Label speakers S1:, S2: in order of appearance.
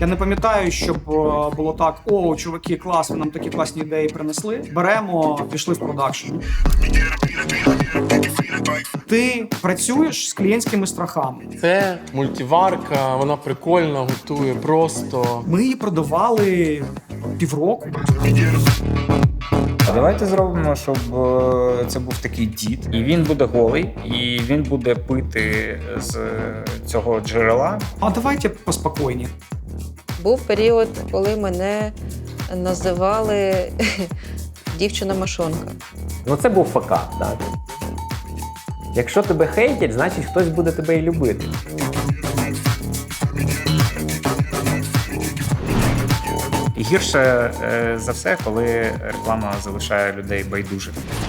S1: Я не пам'ятаю, щоб було так: о, чуваки, клас, ви нам такі класні ідеї принесли. Беремо, пішли в продакшн. Ти працюєш з клієнтськими страхами.
S2: Це мультиварка, вона прикольна, готує просто.
S1: Ми її продавали півроку.
S3: А давайте зробимо, щоб це був такий дід, і він буде голий, і він буде пити з цього джерела.
S1: А давайте поспокійні.
S4: Був період, коли мене називали дівчина-машонка.
S5: Ну це був факап, так. Якщо тебе хейтять, значить хтось буде тебе і любити.
S3: І гірше за все, коли реклама залишає людей байдужих.